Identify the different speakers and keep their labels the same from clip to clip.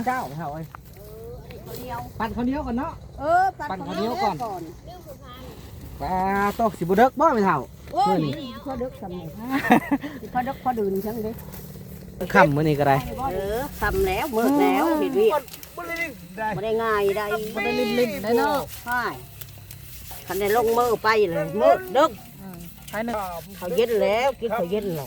Speaker 1: เจ้าเท่าไอ้ปั่นข้าวเหนียวก่อนเนาะปั่นข้าวเหนียวก่อนปลาโตสิบุเด็กบ่ไม่เท่า
Speaker 2: โอ้ยพอดึกสำเร็จพอดึกพอดื่นใช่ไหมดิ
Speaker 1: ค่ำมื้อนี้ก็ได้
Speaker 2: ทำแล้วมืดแล้วเห็นวิ่งไม่ได้ง่ายได้
Speaker 3: ไม่ได้ลิ้นได้เนาะ
Speaker 2: ใช่คันได้ลงมือไปเลยมืดดึกเขาเย็นแล้วกินเขาเย็นแล้ว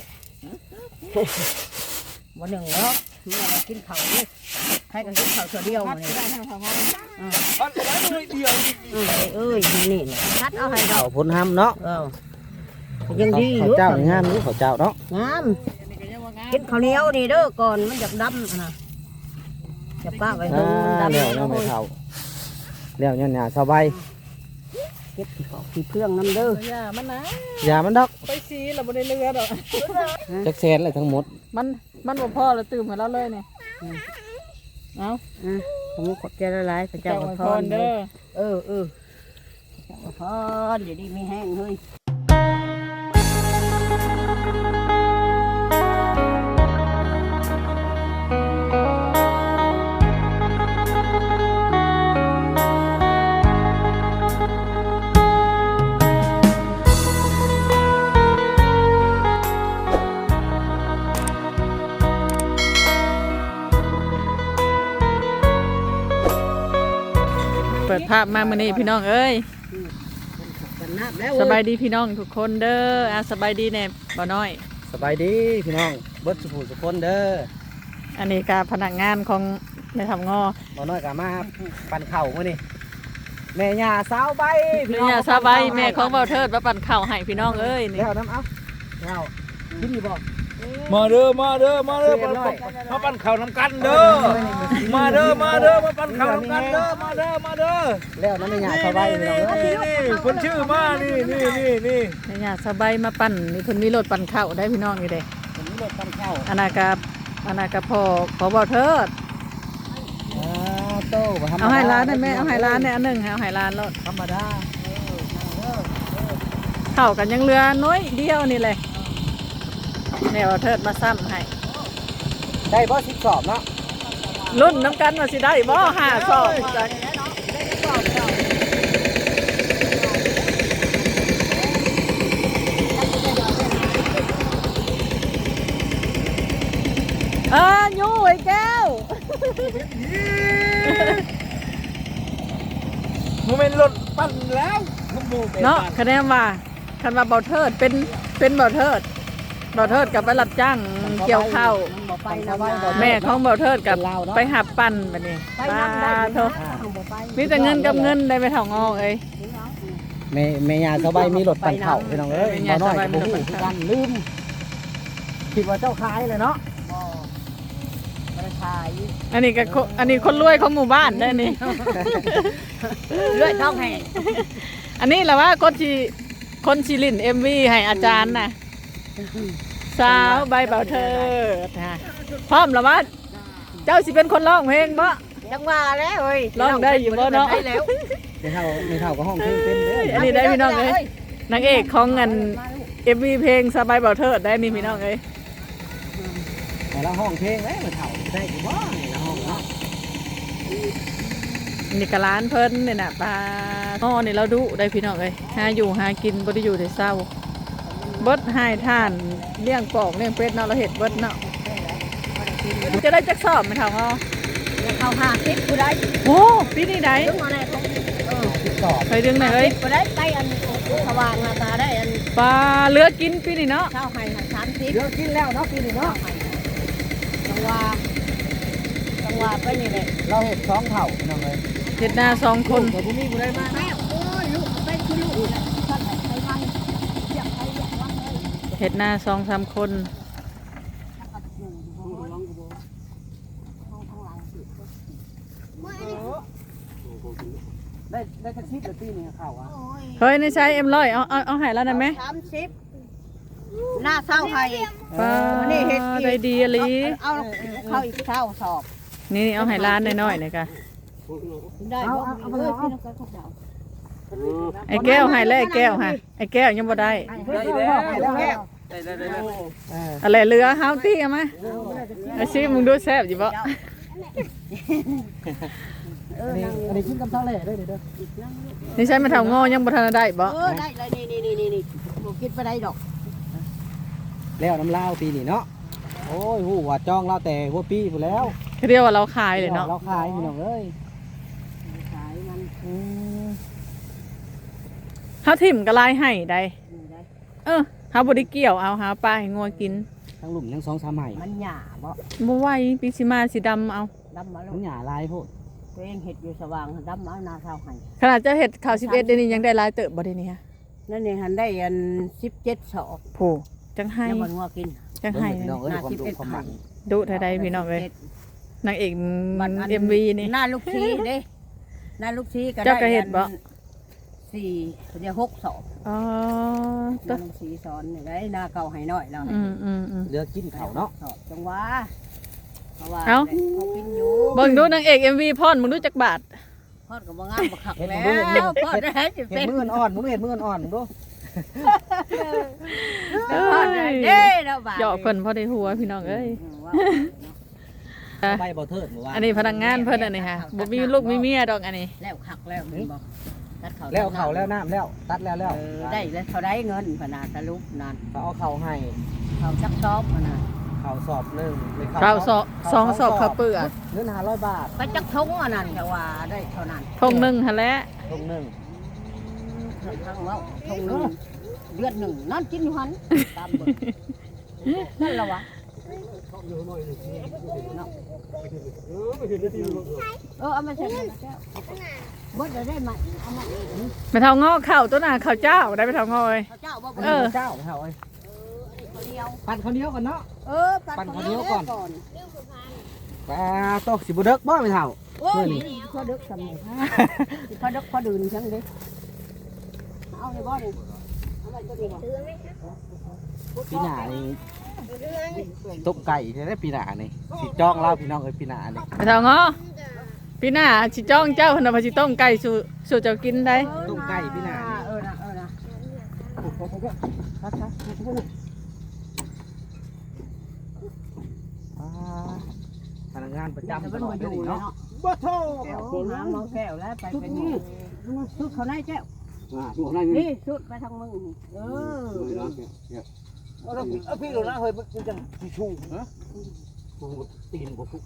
Speaker 2: วันหนึ่งเนาะเรากินเขาเนี่ยให้กันกินเขาตัวเดียวเลย
Speaker 1: ปั่นไปเลยเดียว
Speaker 2: เอ้ยนี่เลยคัดเอาให้เรา
Speaker 1: ผลห้ำเนาะ
Speaker 2: ยังดีอยู่
Speaker 1: เจ้างามอยู่เจ้าเนาะ
Speaker 2: งามกินข้าวเหนียวนี่เด้อก่อนมันจะดำนะจะป้าไปดูมันดำ
Speaker 1: แล้วยังไม่เท่าแล้วเนี่ยสบาย
Speaker 2: เก็บขี้เพื่องน้ำเด้
Speaker 3: อยามันนะ
Speaker 1: อย่ามันดอก
Speaker 3: ไปซีเราไม่ได้เลือดหรอก
Speaker 1: จักแสนอะไรทั้งหมด
Speaker 3: มันบ่พอเราตื่นมาแล้วเลยเนี่ยเอา
Speaker 2: ผมกดใจละลายพระเจ้าพรเด้อพระเจ้าพรเดี๋ยวดีไม่แห้งเลย
Speaker 3: เปิดภาพมามื้อนี้พี่น้องเอ้ยสบายดีพี่น้องทุกคนเด้อสบายดีแน่บ่น้อย
Speaker 1: สบายดีพี่น้องเบิดสุขสุขคนเด้อ
Speaker 3: อันนี้ก็พนักงานของแม่ทำงอ
Speaker 1: บ่น้อยก็มาปั่นข้าวมื้อนี้แม่ย่าสาวใบ
Speaker 3: พี่น้องสาวใบแม่ของเบาเทิดมาปั่นข้าวให้พี่น้องเอ้ยนี่
Speaker 1: แล้วน้ำเอาแล้วกินดีบ่
Speaker 4: มาเด้อมาปั่นข้าวน้ำกันเด้อมาเด้อมาปั่นข้าวน้ำกันเด้อมาเด้อ
Speaker 1: แล้วน้ำแม่ย่าสาวใบพี่น้องเอ้ย
Speaker 4: คนชื่อมานี่
Speaker 3: แม่ย่าสาวใบมาปั่นนี่เพิ่นมีรถปั่นข้าวได้พี่น้องนี่เด้
Speaker 1: เพิ่นมีรถปั่นข้าว
Speaker 3: อนาคตพ่อขอเบาเทิดเอาให้ร้านได้ไหมเอาให้ร้านเนี่ยอันหนึ่งเอาให้ร้านรถ
Speaker 1: ธรรมดา
Speaker 3: เข้ากันยังเรือน้อยเดียวนี่เลยเนี่ยเทิดมาซ้ำให้
Speaker 1: ได้บ่10 สอบเนาะ
Speaker 3: รุ่นน้ำกันมาสิได้บ่5 สอบยูไอ้แก้ว
Speaker 4: โมเมนต์รถปั่นแล้ว
Speaker 3: เนาะคะแนนว่าคันว่าเบาเทิดเป็นเบาเทิดกับไปรับจ้างเกี่ยวข้าวแม่ของเบาเทิดกับไปหับปั่นแบบนี้ป้าเถอะมีแต่เงินกับเงินได้ไปเท่างอเอ้ย
Speaker 1: แม่ย่าสบายมีรถปั่นข้าวพี่น้องเอ้ยบ่น้อยก็บ่ฮู้คือกันลืมคิดว่าเจ้าขายเลยเนาะ
Speaker 3: อันนี้คนรวยของหมู่บ้านได้นี่
Speaker 2: รวยท้องแห่
Speaker 3: อันนี้แหละว่าคนชีลินMVให้อาจารย์น่ะสาวใบเบาเทิดพร้อมแล้วว่าเจ้าสิเป็นคนร้องเพลงบ่
Speaker 2: จังว่าแล้วเฮ้ย
Speaker 3: ร้องได้อยู่บ่เนาะ
Speaker 2: ได้แล้ว
Speaker 1: ไม่เท่าก็ห้องเพลงเป็นเด้อ
Speaker 3: อันนี้ได้พี่น้องเอ้ยนางเอกของเงินMVเพลงสาวใบเบาเทิดได้นี่พี่น้องเอ้ย
Speaker 1: แต่ละห้องเพลงเอ้ยมันเท่าได้กี่บ่ในห้องเนาะ
Speaker 3: นี่กะร้านเพิ่นเนี่ยน่ะปลาอ้อนี่เราดุได้พี่น้องเอ้ยหาอยู่หากินบ่ได้อยู่ได้เศร้าเบิดให้ท่านเลี้ยงปอกเลี้ยงเป็ดเนาะเราเฮ็ดเบิดเนาะจะได้จักสอบมั้ยเฒ่าอ้อ
Speaker 2: เข้า50ผู้ใด
Speaker 3: โอ้ปีนี้ได้
Speaker 2: ดึงมาแน่
Speaker 3: เคยดึงได้เอ้ย
Speaker 2: ผู้ใดไปอันสว่างตาได้อัน
Speaker 3: ปลาเลือกินปีนี้เนาะ
Speaker 2: เช้าให้30
Speaker 1: เลือกินแล้วเนาะปีนี้เนาะ
Speaker 2: จังหวะไปนี่แหละ
Speaker 1: เราเฮ็ด2เท่าพี่น้องเอ้ย
Speaker 3: เฮ็ดหน้า2คน
Speaker 1: บ่มีผู้ใดมา
Speaker 2: แม่โอ้ยลูกเป็นคือลูก
Speaker 3: เฮ็ดหน้า2-3 คน
Speaker 1: ได้แท็กซี่หรือปีนี้เข้าอ่ะ
Speaker 3: เฮ้ยในใช้M100เอาให้แล้วได้มั้ย
Speaker 2: 30หน้าเศร้าให้
Speaker 3: นี่เฮ็ดได้ดีอีหลี
Speaker 2: เอาเข้าอีกเช้าสอบ
Speaker 3: นี่เอาให้ร้านน้อยๆเลยค่ะ
Speaker 2: ได้บ่เอาเลยพี่น้องก็เจ้า
Speaker 3: ไอ้แก้วให้แล้วไอ้แก้วฮะไอ้แก้วยังบ่ได้อะไรเรือเฮาตี้เอามาไอ้ซิมึงดูแซ่บอยู่บ่
Speaker 1: อันนี้กินกับเท่าไหร่เด้อเด้อ
Speaker 3: นี่ใช้มาเท่างอยังบ่ทันได้บ่
Speaker 2: ได้เลยนี่บ่คิดไปได้ดอก
Speaker 1: แล้วน้ำลาวปีนี้เนาะโอ้ยหูว่าจ้องเราแต่หัวปีไปแล้ว
Speaker 3: เรียกว่าเราขายเลยเนาะ
Speaker 1: เราขายพี่น้องเอ้ย
Speaker 2: ขายมัน
Speaker 3: เฮาทิ่มก็ลายให้ได้เฮาบ่ได้เกี่ยวเอาหาปลาให้งัวกิน
Speaker 1: ทั้งหลุมทั้ง2-3ไห่
Speaker 2: มันหญ้าบ่
Speaker 3: บ่ไหวปีสิมาสิดำเอา
Speaker 2: ดำมาแล้
Speaker 1: มั
Speaker 2: วน
Speaker 1: หญ้าลายโพด
Speaker 2: ตัวเองเฮ็ดอยู่สว่างดำมาหน้าเท่าให้
Speaker 3: ขนาดเจ้าเฮ็ดข้าว11เดี๋ยวนี้ยังได้หลายเติบบ่ได้นี่ฮะ
Speaker 2: นั่นนี่หันได้อัน17ศอก
Speaker 3: โผจังให้
Speaker 2: แล้วมันงัวกิน
Speaker 3: จังให้
Speaker 1: พี่น้องเอ้ยความดุความมัน
Speaker 3: ดุเท่าใดพี่น้องเอ้ยนางเอก MV นี่
Speaker 2: หน้าลูกชีเด้หน้าลูกชีก็ได้
Speaker 3: เจ้าก็เฮ็ดบ่
Speaker 2: 4เดี๋ยว6ศอก
Speaker 3: อ๋อ
Speaker 2: หน้าลูกชีสอนนี่ได้หน้าเก่าให้น้อยแล้ว
Speaker 1: เหลือกินข้าวเนาะ
Speaker 2: จังหวะเพราะว่า
Speaker 3: เอ้า
Speaker 2: เขากินอยู่
Speaker 3: เบิ่งดูนางเอก MV พรมึงรู้จักบาท
Speaker 2: พอดก็บ่งามบ่คักแล้วพอดได้จะ
Speaker 1: เห็
Speaker 2: เป็น
Speaker 1: นมืออ่อนมึงเห็นมืออ่อนมึงดู
Speaker 2: พอดได้เด้แล้วบาด
Speaker 3: หยอกเพิ่นพอได้หัวพี่น้องเอ้ย
Speaker 1: ใบบ่เทิดหมู่ว่า
Speaker 3: อันนี้พนักงานเพิ่นอันนี้ค่ะบ่มีลูกมีเมียดอกอันนี้
Speaker 2: แล้วคักแล้วแม่นบ่ตัดเขา
Speaker 1: แล้วเข่าแล้วน้ำแล้วตัดแล้ว
Speaker 2: ได้แล้วเขาได้เงินพนาสรุปนั่น
Speaker 1: เขาเอาเข่าให้
Speaker 2: เขาจักซอบพนา
Speaker 1: เข่าสอบหนึ่งหรือ
Speaker 3: ข้าวสองสอบข้าวเปลือก
Speaker 1: เงิน500 บาท
Speaker 2: ก็จักทงอันนั้นจะว่าได้เท่านั้น
Speaker 3: ทงหนึงหั่นแหละ
Speaker 1: ตรงหนึ่ง
Speaker 2: ทางว่าทงหนึงเดือนหนึ่งนั่นกินอยู่หันตามเบิ่งนั่นละวะเนาะเอามาใส่แก้วบดได้ไหมเอามา
Speaker 3: ไปเท่างอข้าวตัวน่ะข้าวเจ้าได้ไปเท่างอเอ้ย
Speaker 2: เจ้าบ่
Speaker 3: เออ
Speaker 1: เจ้าเท่าไอ้
Speaker 2: เขาเดียว
Speaker 1: ปั่นข้าวเหนียวก่อนเนาะ
Speaker 2: ปั่นข้าวเหนียวก่อน
Speaker 1: ปลาโตสิบุเด็กบ่ไม่เท่า
Speaker 2: โอ้ยพอดึกสมัยพอดึกพอดื่นฉันดิเอาในบ่อนี่เอาไปตัวนี้บ่
Speaker 1: ปีหน้านี่ต้มไก่ใช่ไหมปีหน้านี่สิจ้องเล่าพี่น้องเอ้ยปีหน้านี่
Speaker 3: ไปเท่างอพี่หน้าสิจ้องเจ้าเพิ่นน่ะว่าสิต้มไก่สู่เจ้ากินได้
Speaker 1: ต้มไก่ปีหน้านี่
Speaker 2: นะ
Speaker 1: พนักงานประจำต
Speaker 2: มัน
Speaker 1: ลอ
Speaker 2: มา
Speaker 1: ด
Speaker 2: อยู่
Speaker 1: เลย
Speaker 2: เนาะ
Speaker 1: เนาะ
Speaker 4: บ่โท
Speaker 2: แก้วน้ำเมาแก้วแล้วไปเป็นสุดเขาได้แก้ว
Speaker 1: อยู่ข้างใน
Speaker 2: นี่สุดไปทางมึงเออ
Speaker 1: พี่ดูนะเฮ้ยมันจังสิชูฮะตีนบ่ฟุก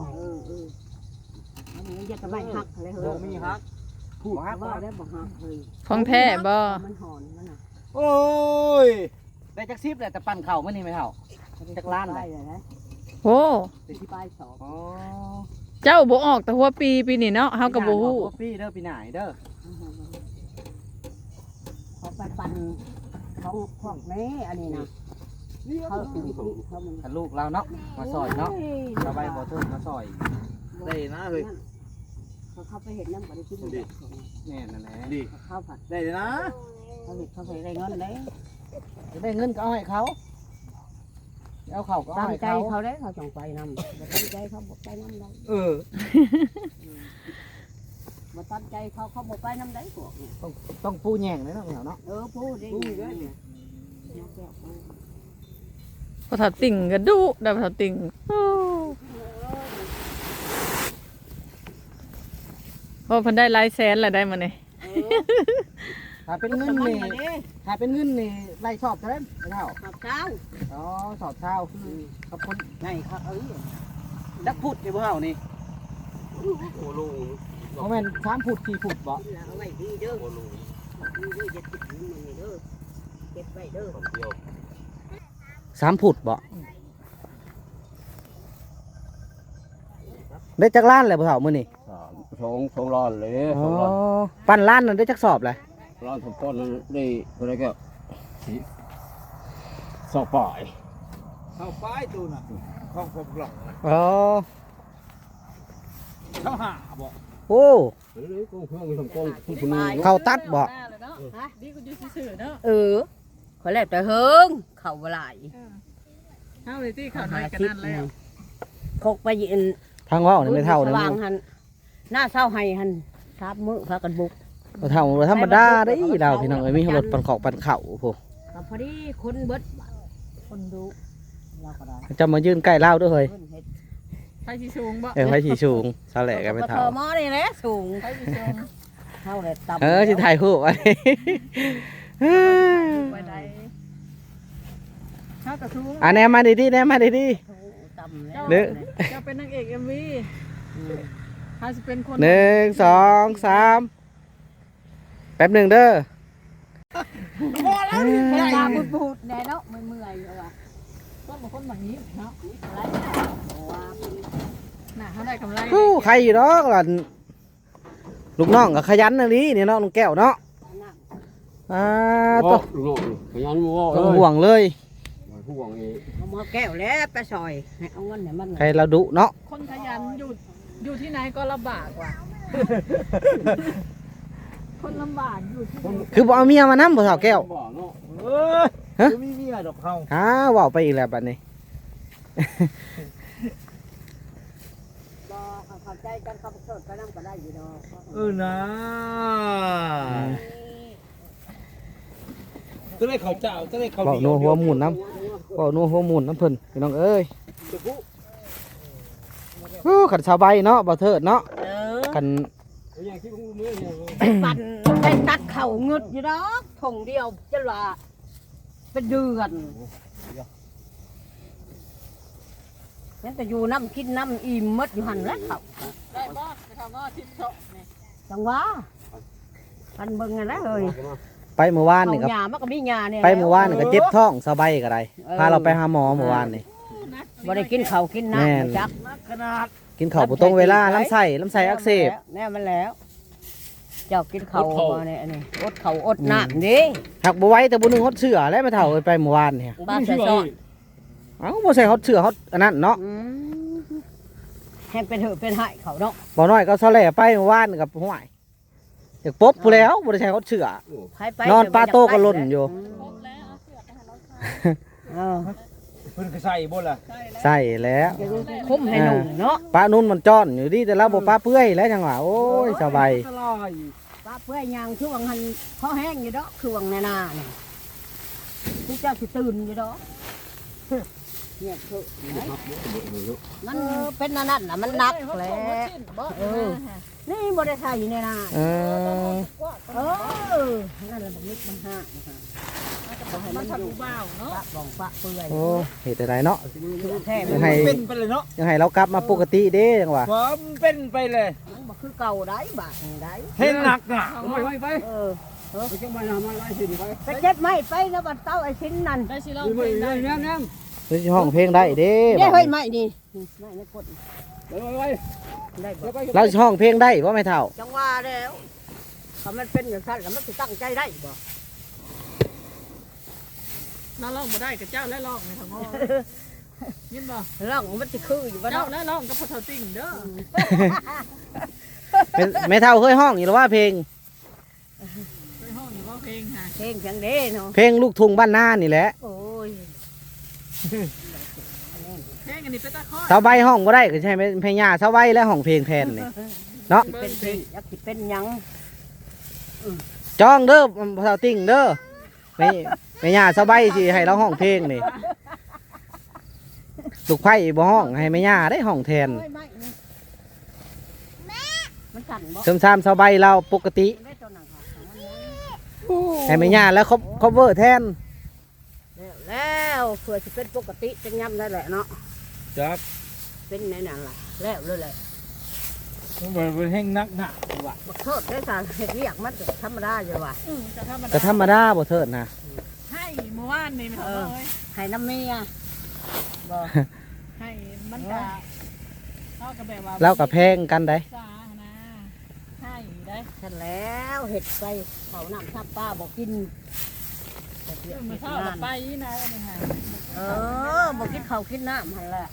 Speaker 2: อันนี้จะไม่หักเลยเฮ้
Speaker 1: บ่
Speaker 2: ย
Speaker 1: มีฮักพูดฮัก
Speaker 2: ว่าได้บ่หักเลย
Speaker 3: ของแท้บ่
Speaker 2: มันหอนมันน่ะ
Speaker 1: โอ้ยได้จัก10แหละแต่ปั่นเข่ามันนี่ไม่เท่า จักล้านเลย
Speaker 2: เลยนะ
Speaker 3: โอ้
Speaker 2: ที่ปลายสอง
Speaker 1: อ๋อ
Speaker 3: เจ้าบ่ออกแต่หัวปีนี้เนาะเฮาก็บ่ฮู้
Speaker 1: พี่เด้อปีหน้าเด้อ
Speaker 2: เขาปั่นของพวกนี้อันนี้นะเขาถึงเขามัน
Speaker 1: ถ้าลูกเราเนาะมาซอยเนาะสบายบ่เทิดมาซอย
Speaker 4: ได้นะเฮ้ย
Speaker 2: เขาไปเห็นน้ำปฏิทิน
Speaker 1: แน่นั่นแหละ
Speaker 4: ดี
Speaker 2: เขาผัด
Speaker 4: ได้เลยนะ
Speaker 2: เขาไปได้เงินเลย
Speaker 1: จะได้เงินก็เอาให้เขาเอาเข่าก็
Speaker 2: ตา
Speaker 1: เอา
Speaker 2: ม
Speaker 1: ให้
Speaker 2: ใจ
Speaker 1: เขา
Speaker 2: เขาได้เขาจงไปนำบ่ตั้งใจเขาบอกไปนำได้
Speaker 1: เออ
Speaker 2: บ่ตั้งใจเขาบอกไปนำได้พวก
Speaker 1: ต้องปูแยงเลยเนาะเนาะ
Speaker 2: พูดได้
Speaker 3: พอถอดติ่งก็ดุได้พอถอดติ่งโอ้เพิ่นได้หลายแสนแล้วได้มื้อนี้
Speaker 1: ถ้าเป็นเงินนี่ถ้าเป็นเงินนี่ไล่สอบเท่านั้นไม่เท่า
Speaker 2: ขับเช้า
Speaker 1: อ๋อสอบเช้าคือกับคน
Speaker 2: ไงครับ
Speaker 1: ดักพุดอยู่บ่เฮานี่
Speaker 4: โอ้ลุง
Speaker 1: บ่แม่น3 พุด4 พุดบ่
Speaker 2: เอาไว้ดีเด้อ
Speaker 4: โอ้ลุง
Speaker 2: ดีจะติดมือเด้อเก็บไว้เด้อ
Speaker 4: เดียว
Speaker 1: 3 พุดบ่ได้จักล้านเลยบ่เท่ามื้อนี้
Speaker 4: สองล้านเลย
Speaker 1: อ๋อปั้นล้านนั่นได้จักสอบเลย
Speaker 4: ล้านสองต้นได้อะไรก็สอบป่ายเข้าป้ายตูน่ะข้องผมหลง
Speaker 1: อ๋อ
Speaker 4: เข้าหาบ่
Speaker 1: โอ้
Speaker 4: หรือก้องเพื่อนทำก้องผู้คนนี้
Speaker 1: เขาตัดบ่
Speaker 3: ดีกูอยู่ซื่อๆเนาะ
Speaker 2: ขอแล้วแต่เฮิงเข่าบ่หลาย
Speaker 3: เฮาเลยที่ข้าวน้อยกันนั่นแล้ว
Speaker 2: คกไปยืน
Speaker 1: ทางเว้านี่ไม่เท่านะ
Speaker 2: วางหันหน้าเศร้าให้หันทับมือพากันบุก
Speaker 1: บ่เท่าธรรมดาเด้เราพี่น้องเอ้ยมีรถปั่นขอกปั่นเข่าโอ้
Speaker 2: พอดีคนเบิดคนดูเราก็ได้
Speaker 1: จะมายืนใกล้เราด้วยเฮ้ย
Speaker 2: เฮ็ด
Speaker 3: ไฟสีสูงบ่
Speaker 1: ไฟสีสูงสาแหลกันไปเท่า
Speaker 2: หม้อนี่แหละสูง
Speaker 3: ไฟสีสูง
Speaker 2: เท่าเลยต่ำ
Speaker 1: สิถ่ายรูปไว้
Speaker 3: ไปได้ถ้ากระทุ้ง
Speaker 1: แนมมาดีๆแนมมาดี
Speaker 2: ต่ำแล้ว
Speaker 1: เด้อ
Speaker 3: จะเป็นนางเอกMVถ้าจะเป็นคน
Speaker 1: ๆ1 2 3แป๊บหนึ่งเด้อ
Speaker 2: ตาบูดๆแน่เนาะเมื่อยๆว่ะ
Speaker 3: ต้นบางคนแบบนี้เนาะ
Speaker 2: อะไรว่า
Speaker 3: น่ะเขาได้กำไร
Speaker 1: ใครอยู่เนาะล่ะลูกน้องก็ขยันนะนี่เนาะน้องแก้วเนาะตัว
Speaker 4: ขยันบ่
Speaker 1: ต้องห่วงเลย
Speaker 4: ห่วงอีก
Speaker 2: เอามาแก้วแล้วไปซอยให้เอาเงินเนี่ยมัน
Speaker 1: ใครเราดุเนาะ
Speaker 3: คนขยันอยู่ที่ไหนก็ลำบากกว่า คนลำบากอยู่ที่ไหน
Speaker 1: คือบ่เอาเมียมานํบ่สาวแก้ว
Speaker 4: บ่เนาะ
Speaker 1: ฮะ
Speaker 4: มีเมียดอกเฮา
Speaker 1: ว้าวไปอีกแล้วบัดนี้
Speaker 2: บอกเข้าใจกันเขาโทษก็นั่งก็ได้อยู่เนาะ
Speaker 4: นะจะได้ข้าวเจ้าจะได้ข้าว
Speaker 1: เว้า
Speaker 4: เดี
Speaker 1: นั
Speaker 4: ยว
Speaker 1: หัวหมุนน้ำเว้านัวหัวหมุนน้ำเพิ่นพี่น้องเอ้ยขันชาวใบเนาะบ่เถิดเนาะ ขัน
Speaker 4: อย่างที่ผมมือเนี่ย
Speaker 2: ปั่นไปตัดเข่าเงึดอยู่ดอกถงเดียวจะว่าเป็นเดือนนั่นแต่อยู่น้ำกินน้ำอิ่มมดอยู่หันแล้วเขา
Speaker 3: ได้บ่ไปทำงอทิพย์โตนี่
Speaker 2: จังหวะกันเบิ่งไงนะเฮ้ย
Speaker 1: ไปเมื่อวานนี่ครับ
Speaker 2: หญ้ามันก็มีหญ้าเนี่ย
Speaker 1: ไปเมื่อวานนี่ก็เจ็บท้องสาวใบก็ได้พาเราไปหาหมอเมื่อวานนี่
Speaker 2: บ่ได้กินข้าวกิน
Speaker 1: แม่น
Speaker 2: น้ำจัก
Speaker 4: ขนาด
Speaker 1: กินข้าวบ่ตรงเวลาลำไส้อักเสบ
Speaker 2: แน่มันแล้ว เจ้ากินข้าวมาเนี่ยอันนี้อดข้าวอดน้ำดิ
Speaker 1: หักบ่ไหว้แต่บ่นึงฮดเสื้อแล้วไปเฒ่าไปเมื่อวานนี่
Speaker 2: บ้านใส่ซอส
Speaker 1: เอ้าบ่ใส่ฮดเสื้อฮดอันนั้นเนาะ
Speaker 2: แห้งเป็นเหอะเป็นหายเขาเนาะ
Speaker 1: บ่น้อยก็ซะแหล่ไปเมื่อวานนี่กับห้วยอยากปบผู้แล้วบ่ได้ใส่ฮดเสื้อ
Speaker 2: ใครไป
Speaker 1: นอนปลาโตก็หล่นอยู่
Speaker 2: เออ
Speaker 4: เพิ่นก็ใส่บ่ล่ะ
Speaker 1: ใส่แล้ว
Speaker 2: คุ้มให้หนุ่มเนาะ
Speaker 1: ปลานุ่นมันจ้อนอยู่ดีแต่เราบ่ปลาเปื่อยแล้วจังหวะโอ้ยสบาย
Speaker 2: ปลาเพื่อยยางช่วงหันเขาแห้งอยู่ดอกช่วงในนาเนี่ยทุกเจ้าสิตื่นอยู่ดอกเนี่ยคือมันเป็นนั่นน่ะมันหนักแหละนี่บริษัทอยู่ในนา
Speaker 1: เออ
Speaker 2: นั่นแหละมันนิดมันห้า
Speaker 3: มันทำผู้บ่าวเนาะ
Speaker 2: ปะบ่องปะเปื่อย
Speaker 1: โอ้เหตุใดเนาะ
Speaker 2: แท้
Speaker 1: ยังไง
Speaker 4: เป็นไปเลยเนาะ
Speaker 1: ยังไงเรากลับมาปกติเด้จังหวะ
Speaker 4: ความเป็นไปเลย
Speaker 2: มันบ่คือเก่าได้บาทได้
Speaker 4: เห็นหนักอ่ะ
Speaker 3: ไป
Speaker 2: ไปเก็บไม้ไปนะบัดเต้าไอ้ชิ้นนั่น
Speaker 3: ได้สิลองเพลงได้
Speaker 1: เฮ้ยห้องเพลงได้เด้
Speaker 2: เนี่ยเฮ้ยไม้นี่ไม้ในกดได้บ่
Speaker 1: เราสิห้องเพลงได้บ่แม่เฒ่า
Speaker 2: จังว่าแล้วถ้ามันเป็นอย่างนั้นแล้วมันจะตั้งใจได้บ่
Speaker 3: น้าลองบ่ได้กับเจ้าและลองในทางงอยินบ่
Speaker 2: ร่องมันจะคืออยู่บ่
Speaker 3: เจ้า
Speaker 2: เนาะ
Speaker 3: และลองกับพ่อเฒ่าติ่งเด้อ
Speaker 1: แม่เฒ่าเคยห้องอยู่หรือว่าเพลง
Speaker 3: ไปห้องอยู่ว่าเพลงค่ะ
Speaker 2: เพลงเสียงเด้เนาะ
Speaker 1: เพลงลูกทุ่งบ้านนานี่แหละ
Speaker 2: โอ้ย
Speaker 3: เพลงอันนี้เป็นตะข้อ
Speaker 1: สาวใบห้องบ่ได้ก็ใช่ไหมเพลงย่าสาวใบและห้องเพลงแทนนี่เนาะ
Speaker 2: เป็นเพลงอยากสิเป็นหยัง
Speaker 1: จ้องเด้อเฒ่าติ่งเด้อแม่ย่าสาวใบสิให้เราห้องเพลงนี่ลูกไผ่บ่ห้องให้แม่ย่าได้ห้องแทน
Speaker 2: เฮ้ยไม้นี่มันสั่นบ่
Speaker 1: เสริมสามสาวใบเราปกติ
Speaker 2: ได้ตัวนั้นค่ะ
Speaker 1: ให้แม่ย่าแล้วครบเวอร์แทน
Speaker 2: แล้วเพื่อจะเป็นปกติเป็นย่ำได้แหละเนาะ
Speaker 4: จัก
Speaker 2: เป็นในนั้นล่ะแล้วเลยแหละ
Speaker 4: มันเป็นแห้งนักหนักว่ะ
Speaker 2: บักโทษได้สารเห็ดเรียกมันธรรมดาอยู่ว่ะ
Speaker 3: จะธรรม
Speaker 1: ก็
Speaker 3: ดา
Speaker 1: ธรรมดาบ่เถิดนะ
Speaker 3: ให้เมื่อวานนี่ไม่ทำเลย
Speaker 2: ให้น้ำเมียบ่
Speaker 3: ให้มันก็เท่ากับแบบว่า
Speaker 1: เรากับแพงกันได้
Speaker 3: สานะให้ได้
Speaker 2: ฉันแล้วเห็ดไปเขาน้ำทับป้าบอกกินเฮ็ดเวียก
Speaker 3: มา
Speaker 2: เฮ็ด
Speaker 3: เท่าง
Speaker 2: า
Speaker 3: กับ
Speaker 2: น
Speaker 3: ไปนะนี่ค่ะ
Speaker 2: บอกกินข้าวกินน้ำหันแหละ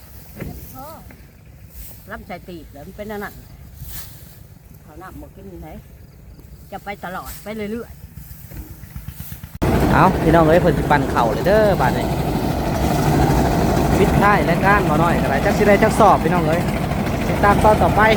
Speaker 2: รับใจตีบแล้วมันเป็นอันนั่นข้าวน้ำบอกกินไหนจะไปตลอดไปเรื่อย
Speaker 1: เอาพี่น้องเอ้ยเพิ่นสิปั่นเข่าเลยเด้อบาดนี้ปิดท้ายรายการบ่น้อยก็ได้จักสิได้จักสอบพี่น้องเอ้ยติดตามตอนต่อไป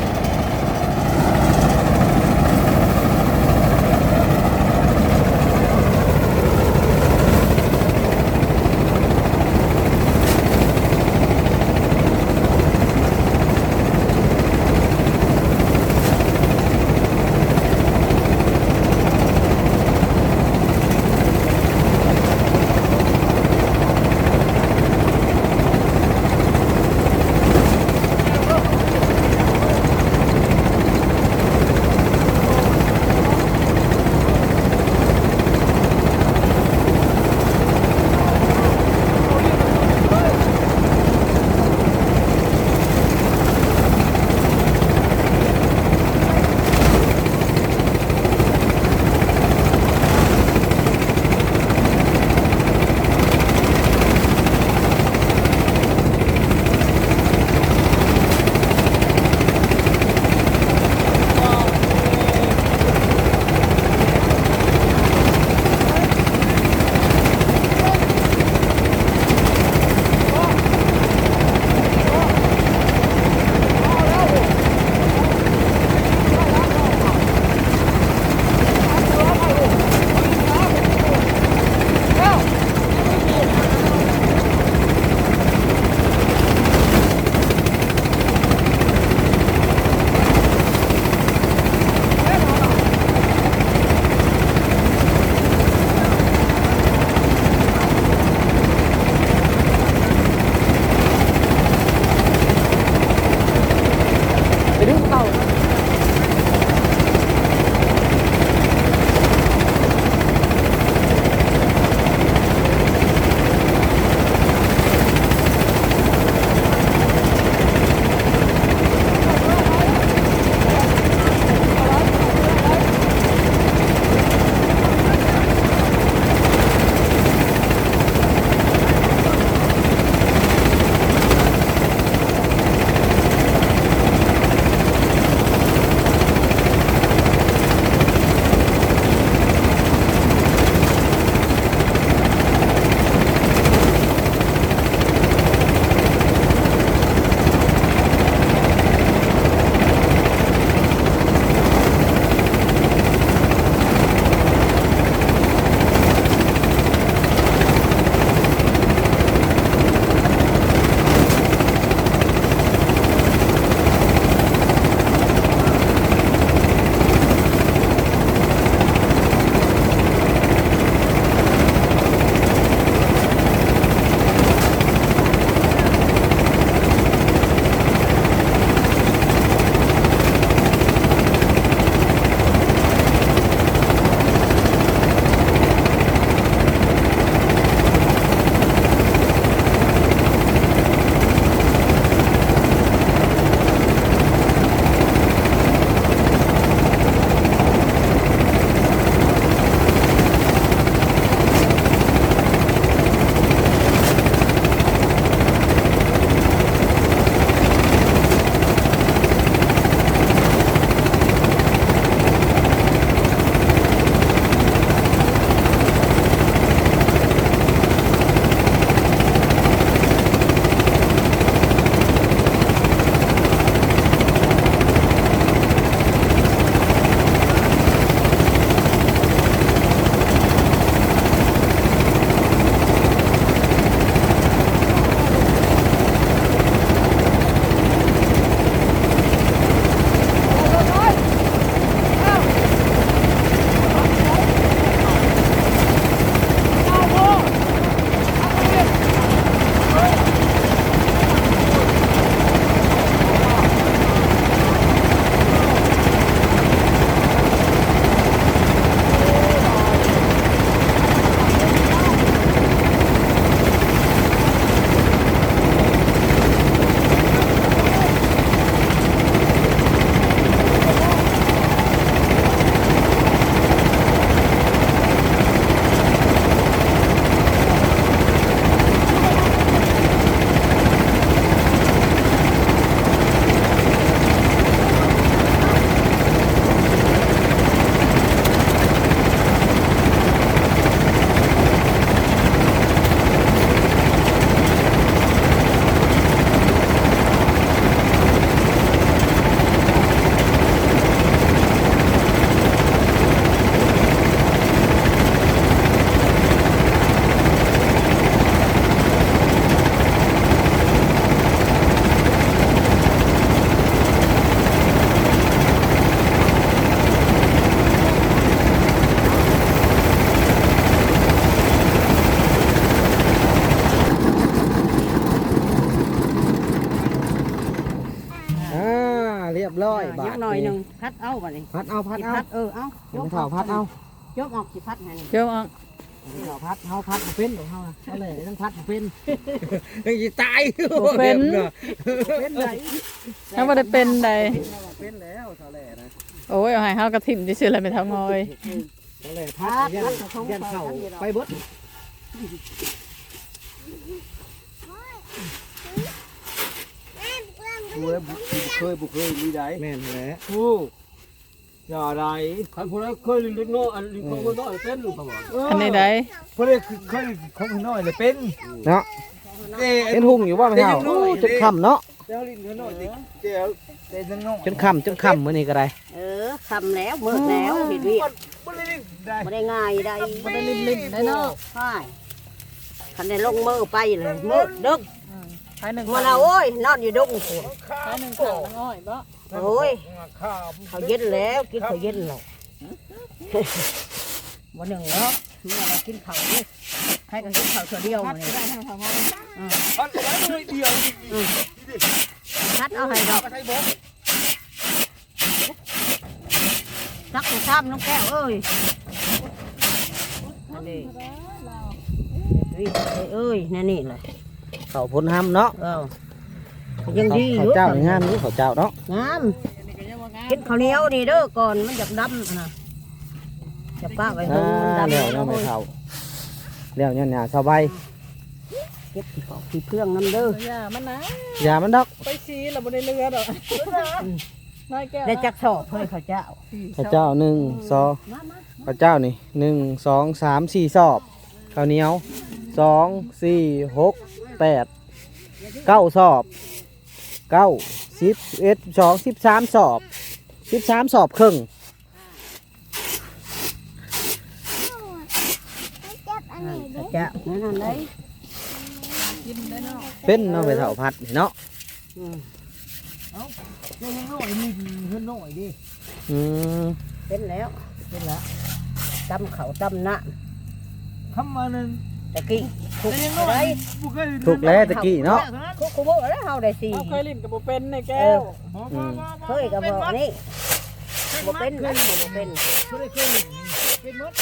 Speaker 1: บาท
Speaker 2: ยังหน่อยหนึงพัดเอาบัดนี้
Speaker 1: พัดเอาพัดเอา
Speaker 2: พัดเอา
Speaker 1: เดี๋ยวเฒ่าพัดเอา
Speaker 2: ยกออกสิพัดให้นี่
Speaker 3: เจ้าอ่ะ
Speaker 1: เฒ่าพัดเฮาพัดบ่เป็นของเฮานะเอาเลยต้องพัดบ่เป็นยังสิตาย
Speaker 3: บ่เป็น
Speaker 1: เป็นได
Speaker 3: ถ้าบ่ได้เป็นใด
Speaker 1: เป็นแล้วเฒ่าแหล่นะ
Speaker 3: โอ้ยเอาให้เฮากระถิ่มซื่อๆแล้วไม่เท่างอย
Speaker 1: เฒ่าแหล่พัดยันเข้าไปเบิด
Speaker 4: เคยมีได้
Speaker 1: แม่นแหละ
Speaker 4: โอ้อย่าได้คันผู้ใดเคยเล็กน้อยอันของคนน้อยเป็นหรือเปล่า
Speaker 3: อันนี้ใด
Speaker 4: ผู้ใดเคยของคนน้อยเลยเป็น
Speaker 1: เนาะเป็นหุ่งอยู่บ่แม่เฒ่าโอ้จนค่ำเนาะ
Speaker 4: เจ้าลิ้นคนน้อยเจ้าแต่ยังน้อย
Speaker 1: จนค่ำมื้อนี้ก็ได้
Speaker 2: คำแล้วมืดแล้วเห็นวิ
Speaker 4: บ่ได้ได้
Speaker 2: บ่ได้ง่ายได้
Speaker 3: บ่ได้ลิ้นๆได้เนาะ
Speaker 2: ใช่คันได้ลงมือไปเลยมืดดึก
Speaker 3: ภายหนึ่ง
Speaker 2: มาแล้วโอ้ยนอนอยู่ดงโ
Speaker 3: ภายหนึ่งข้าวน้ำอ้อยบ่
Speaker 2: อ้ย
Speaker 4: ข้าว
Speaker 2: เขาเย็นแล้วกินเขาเย็นแล้ววันหนึ่งเนาะเมื่อเรากินเขานี่ใครก็กินเขาตัวเดียว
Speaker 3: พัด
Speaker 2: นี่
Speaker 3: ก็ได้ให้เท่างอย
Speaker 4: พันไว้เลยเดียว
Speaker 2: ชัดเอาให้ดอก
Speaker 4: ใช้บ่
Speaker 2: ซักตัวซ้ำน้องแก้วเอ้ยนั่นดิเอ้ยนั่นนี่เลย
Speaker 1: เขาพ้นห้ำเนาะ
Speaker 2: ยังดีอ
Speaker 1: เขา
Speaker 2: ยู่
Speaker 1: เจ้านี่งามอยู่เขาเจ้าเนาะ
Speaker 2: งาม
Speaker 3: อันนี้ก็ยังว่างาม
Speaker 2: กินข้าวเหนียวนี่เด้อก่อนมันจะดำนะจะป้าไว้ให้มันดำ
Speaker 1: แล้วเนาะแม่เฒ่าแล้วเนี่ยหน้าสบาย
Speaker 2: เก็บของที่เพื่องน้ำเด้อ
Speaker 3: อย่ามันนะ
Speaker 1: อย่ามันดอก
Speaker 3: ไปซีแล้วบ่ได้เรือดอกน้อยแก้ว
Speaker 2: ได้จักสอบเพื่อข้าวเจ้า
Speaker 1: ข้าวเจ้า1 2
Speaker 2: มามา
Speaker 1: ข้าวเจ้านี่1 2 3 4สอบข้าวเหนียว2 4 6 8 9สอบ9 10 11 12 13สอบ13สอบครึ่ง
Speaker 2: ข้าวเจ้านั่นเลย
Speaker 3: กินได้เนาะ
Speaker 1: เป็นเนาะไปเฒ่าพัดนี่เนาะ
Speaker 2: เล่นน้อยมีเพื่อนน้อยดิ
Speaker 1: อืม
Speaker 2: เป็นแล้วตำเขาตำหน้า
Speaker 4: คำมานั้น
Speaker 2: ตะกี้ถูกอะไร
Speaker 4: บ่เคย
Speaker 1: ถูกแล้วตะกี้เนาะ
Speaker 2: คุกบอกแล้วเฮาได้สี่
Speaker 3: เอาเคยลิ้นกับบ่เป็นในแก้ว
Speaker 2: เคยกับบอกนี่บ่เป็นนั่นบ่เป็น
Speaker 4: บ่ได้เคยเป็นหมด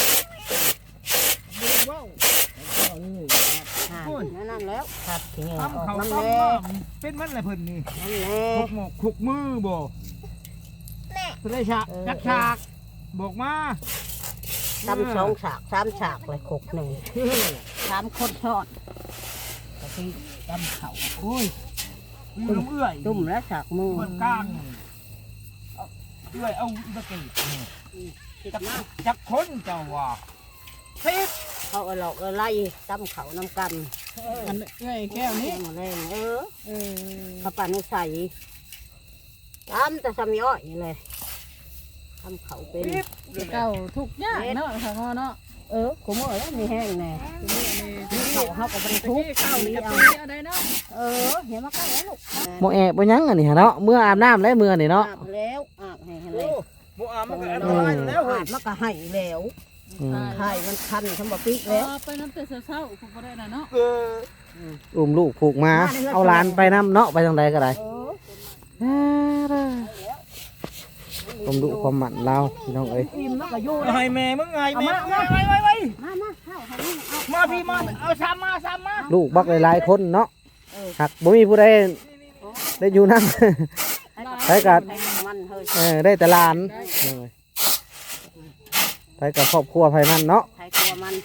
Speaker 2: นั่นแล้วครับทีนี้อ
Speaker 4: ทำ
Speaker 2: อก
Speaker 4: เขา
Speaker 2: น้ำ
Speaker 4: ต้
Speaker 2: แน่
Speaker 4: เป็นมันแหละเพิ่นนี่
Speaker 2: น้ำแน่
Speaker 4: ขุกหมกขุกมือบ่สุได้ฉากจักฉากบอกมา
Speaker 2: ตำ2 ฉาก3 ฉากเลยคุกหนึ่ง3 คนทอดตะกี้ตำเขา
Speaker 4: โอ้ยมีน้ำเอื้อย
Speaker 2: ตุ่มแล้วฉากมือ
Speaker 4: เพิ่นกลางเอื้อยเอาตะกี้จักคนเจ้าว่าสิบ
Speaker 2: เขาเอาหลอกเอาไล่ตำเขาน้ำกัน
Speaker 3: อันเอ้ยแก้วนี้
Speaker 2: แรง
Speaker 3: เออ
Speaker 2: ข้าวปลานุใส่ตำแต่สามีอ้อยนี่เลยตำเขาเป็น
Speaker 3: เก่าทุกอย่างเนาะทางงอเนาะ
Speaker 2: กูเมื่อแล้วมีแห้งแน่
Speaker 3: นี่
Speaker 2: เขากับบรรทุก
Speaker 3: ข้าวนี่
Speaker 2: เอา
Speaker 3: เอาได้เนาะ
Speaker 2: เห็นมาใกล้แล้วลูก
Speaker 1: บ่แอบบ่หยังอันนี้เนาะเมื่ออาบน้ำแล้วมื้อนี่เนาะ
Speaker 2: อาบแล้วอาบให้เลย
Speaker 4: โอ้บ่อามันก็อันตรายอยู่แล้วเฮ้
Speaker 2: อาย บมันก็ให้แล้ว
Speaker 1: อืม
Speaker 2: ไข่มันคันทำบะปิกแล้ว
Speaker 3: ไปน้ำแต่เช้าๆผมบ่ได้น่ะเนาะ
Speaker 4: เออ
Speaker 1: อุ้มลูกผูกมาเอาหลานไปนํเนาะไปทางใดก็ได้ผมดูความหมั่นเราพี่น้องเอ้ย
Speaker 2: อิ่มมันก็อยู่
Speaker 4: ให้แม่มึงไงแม่ไว้
Speaker 2: มาข้าวให้นี่เอา
Speaker 4: มาพี่มาเอาซ้ำมา
Speaker 1: ลูกบักหลายๆคนเนาะหักบ่มีผู้ใดได้อยู่นั่น ไปกัด
Speaker 2: มันเฮ้ย
Speaker 1: ได้แต่หลานไปกับครอบครัวไผมันเนาะ
Speaker 2: ใครกลัวมัน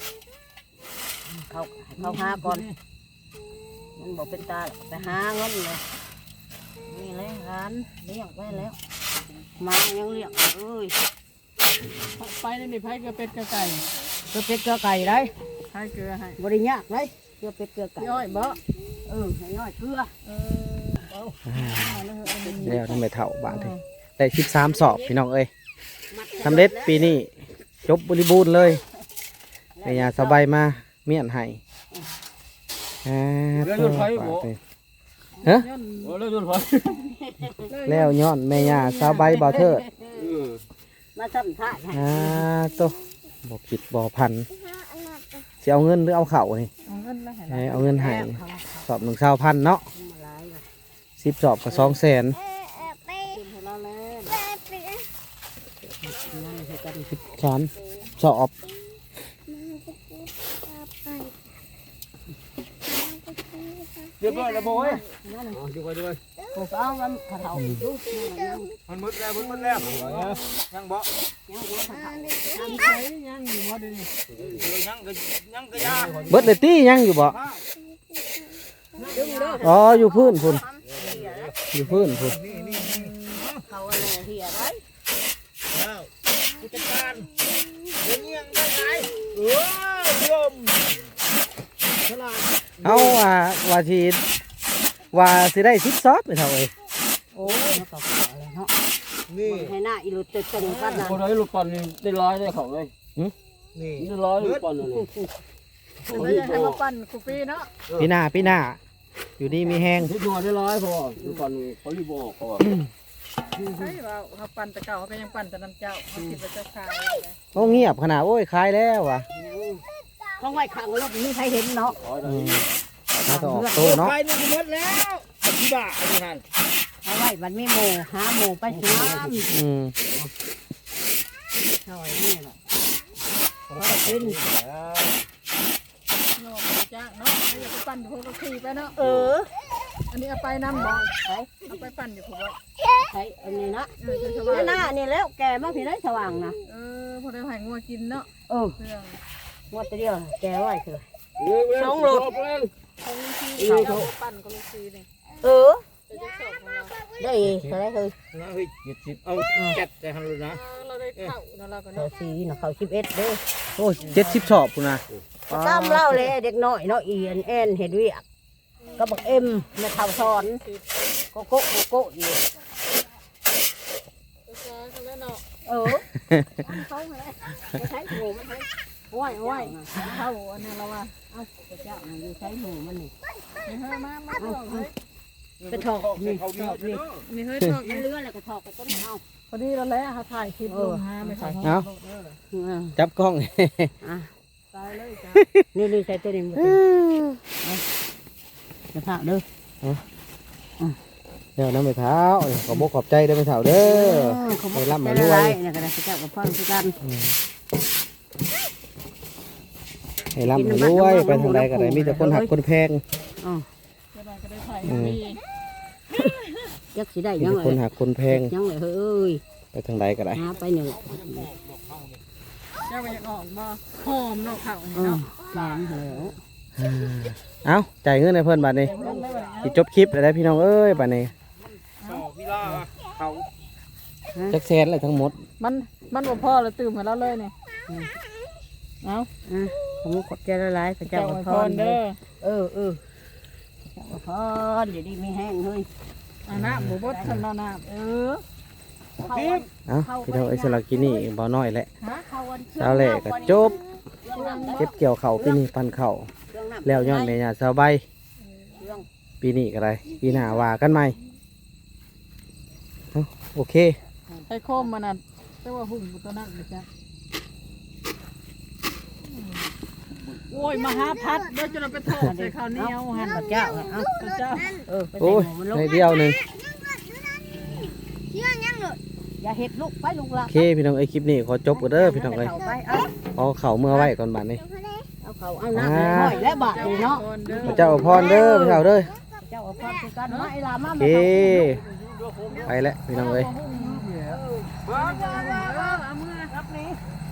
Speaker 2: เขาหาก่อนมันบอกเป็นตาไปหาเงินเลยนี่เลยร้านเลี้ยงไว้แล้วมายังเลี้ยงเอ้ย
Speaker 3: ไปนี่ไผก็เป็ดก็ไก่
Speaker 2: เกลือเป็ดเกลือไก่ได้
Speaker 3: ไผเกลือให้
Speaker 2: บริยากเลยเกลือเป็ดเกลือไก่
Speaker 3: ย่อยบ่
Speaker 2: ให้น้อยเกลือ
Speaker 1: แล้วทำไมเท่าบาทเลยได้13สอบพี่น้องเอ้ยสำเร็จปีนี้จบบริบูรณ์เลยแม่ยาสบายมาเมียนให้ฮะ
Speaker 4: โอ้แล้วจนพอ
Speaker 1: แล้วย้อนแม่ยาสบายบ่เถิด
Speaker 2: มาซ้ำท่าให้
Speaker 1: โตบ่คิดบ่พันสิเอาเงินหรือเอาเข่านี่
Speaker 3: เอาเงินแล้วให้
Speaker 1: เอาเงินให้สอบ1,000เนาะ10สอบก็200,000
Speaker 2: เราแล้ว
Speaker 1: 13สอบ
Speaker 4: เรียบร้อยแล้วโบยดูไปดูไป
Speaker 2: ผมเอามันกระเทาดู
Speaker 4: มันมืดแล้วยังบ่ยังก็ยา
Speaker 1: เบิดเลยตี้ยังอยู่บ่อ๋ออยู่พื้นพุ่นอยู่พื้นพุ่น
Speaker 2: เขาอะไรเหี้ยไร
Speaker 4: ผู้จัดการเงี้ยงได้ไงยมฉลาด
Speaker 1: เอาว่าสิได้10ซอบไปเท่าเอ้ย
Speaker 2: โอ้ยเขาก็อะไรเนาะ
Speaker 4: นี่
Speaker 2: ให้หน้าอีหลุดจะตึงกันนะ
Speaker 5: คนได้ลูกปันนี่ได้ร้อยได้เขาเลย
Speaker 4: นี่
Speaker 5: ได้ร้อยลูกปันเลย
Speaker 3: ไม่อยากให้มาปั่นคุปีเนาะ
Speaker 1: ปีหน้าอยู่ดีมีแห้ง
Speaker 5: ที่ตัวได้ร้อยพอลูกปันเขารีบบอกเขา
Speaker 3: ใช่ว่าเขาปั่นแต่เก่าเขาก็ยังปั่นแต่น้ำเจ้าเขาคิดว่าเจ้าขาย
Speaker 1: โอ้เงียบขนาดโอ้ยคลายแล้วว่ะ
Speaker 2: ห้องไว้ขังรถมีใครเห็นเนาะ
Speaker 1: มาต่ออกโตเนาะ
Speaker 4: ไปนี่ก็หมดแล้วที่บ้าอันนี้ฮะ
Speaker 2: เอาไว้มันไม่โมหาโมไปสนาม
Speaker 1: อืม
Speaker 2: หน่อยนี่แหละกิน
Speaker 3: เนาะจ้าเนาะไม่อยากไปปั่นอยู่พวกก็ขี่ไปเนาะ
Speaker 2: เออ
Speaker 3: อันนี้เอาไปน้ำบ่
Speaker 2: ใช่
Speaker 3: เอาไปปั่นอยู่พวก
Speaker 2: ใช่อันนี้นะ
Speaker 3: จะสบาย
Speaker 2: หน้านี่แล้วแกมาพี่ได้สว่างนะ
Speaker 3: พอได้หายงัวกินเนาะ
Speaker 2: เออ
Speaker 3: เครื่อง
Speaker 2: หมดเดียวแกไว้คือ
Speaker 5: สองรถ
Speaker 3: เขาลูกซีเขาปั่นเขาลูกซีนี่
Speaker 2: เออ
Speaker 3: จะจะสอบของเรา
Speaker 2: ได้เท่าไรคือ
Speaker 4: เฮ้ย70เอาแก๊สใจหันเลยนะ
Speaker 3: เราได้เข้าเนาะเราก็
Speaker 2: เขา
Speaker 3: เนาะ
Speaker 2: สีนะเขา11เด้อ
Speaker 1: โอ้70สอบพุ่นน่ะ
Speaker 2: ตามเล่าเลยเด็กน้อยเนาะอีแอนเห็ดเวียกก็บอกเอ็มแม่เท่าสอนโกโก้อยู่
Speaker 3: เขาเล่นเนาะ
Speaker 2: เออเขาเลยไม่ใช่หมูมันใช่
Speaker 3: โอ้ยเข้าอันนี้เราว่า
Speaker 2: เอาเจ้าอยู่ใช้หมูมันนี่
Speaker 3: นี่เฮ้ยมาลองเลย
Speaker 2: ไปถอกนี่ถอกนี่
Speaker 3: นี่เฮ้ยชอบ
Speaker 2: มันเลื่อนแล้วก็ถอกไปต้นเอา
Speaker 3: พอดีเราแล้วเขาถ่ายคลิปลงฮะไม่ถ่าย
Speaker 1: เอาจับกล้อง
Speaker 2: อ่ะ
Speaker 3: ตายเลยจ้า
Speaker 2: นี่ใส่ตัวนี้มาจะผ่าเด้อ
Speaker 1: เดี๋ยวน้ำไปเท้าขอบขอบใจเด้อไปเท้าเด้อ
Speaker 2: เขาบ
Speaker 1: ไป
Speaker 2: อก
Speaker 1: ร่ำไป
Speaker 2: จะ
Speaker 1: รว
Speaker 2: ไร
Speaker 1: ย
Speaker 2: นะก็ได้เจ้ากับพ่อคือกัน
Speaker 1: ให้ร่ำให้รวยไปทางใดก็ได้มีแต่คนหักคนแพง
Speaker 2: อ๋อ
Speaker 3: จะได้ก็ได้ถ่ายมี
Speaker 2: ยักษ์สิได้
Speaker 1: มี
Speaker 2: ยัง
Speaker 1: แต่
Speaker 2: ไง
Speaker 1: คนหักคนแพง
Speaker 2: ยังไงเฮ้ย
Speaker 1: ไปทางใดก็ได้
Speaker 2: หาไปหนึ่ง
Speaker 3: เจ้าไปยังออกมาหอมเนาะเขา
Speaker 2: อ๋อ
Speaker 3: เนาะ
Speaker 2: แข็งเหรอ
Speaker 1: เอาจ่ายเงินให้เพิ่นบัดนี้สิจบคลิปแล้วได้พี่น้องเอ้ยบัดนี้
Speaker 4: พี่ล่าเขา
Speaker 1: จักแสนเลยทั้งหมด
Speaker 3: มันบ่พอแล้วตื่นมาแล้วเลยเนี่ยเอา
Speaker 2: ผมขอบใจละลายพระเจ้า
Speaker 3: เจ้า
Speaker 2: อวย
Speaker 3: พ
Speaker 2: พ
Speaker 3: ร
Speaker 2: ร
Speaker 3: เด้อ
Speaker 2: เออพระเจ้าอวยพรเดี๋ยวนี้ไม่แห้งเฮ้ย
Speaker 3: อันน้ำหมูบดฉันน้ำ
Speaker 2: เขา
Speaker 1: เอาพี่น้องเอ้ยสลักกินนี่บ่น้อยแหละ
Speaker 2: เขาวัน
Speaker 1: เช้าแรกก็จบเก็บเกี่ยวข้าวปีนี้ปันข้าวแล้วย้อนแม่ย่าสาวใบปีนี้ก็ได้ปีหน้าว่ากันใหม่เอาโอเค
Speaker 3: ไอ้โคมมันน่ะแต่ว่าหุ่นตัวนั้นนะจ๊ะโอ้ยมหาพัดเดี๋ยวจะเราไปทอดใส่ข้าวเหนียวหัน
Speaker 2: พระเจ้าเอา
Speaker 3: พระเจ้า
Speaker 2: ไป
Speaker 1: โอ้ย
Speaker 2: ใส่หมูมันลง
Speaker 1: ในเดียวหนึ่ง
Speaker 2: อย่าเห็ดลูกไปลูกละ
Speaker 1: โอเคพี่น้องเอ้ยคลิปนี้ขอจบกันเด้อพี่น้องเอ้ย
Speaker 2: ไปเอา
Speaker 1: เอาเข่าเมื่อไว้ก่อนบัดนี้
Speaker 2: เอาเขาเอาน้ำห้อยและบาทเลยเนาะ
Speaker 1: พระเจ้าอวยพรเด้อพี่เฒ่าเด้อ
Speaker 2: เจ้าอวยพรคือกันมาไอ้ลามา
Speaker 1: โอเคไปแล้วพี่น้องเอ้ย
Speaker 3: เอามือรับนี้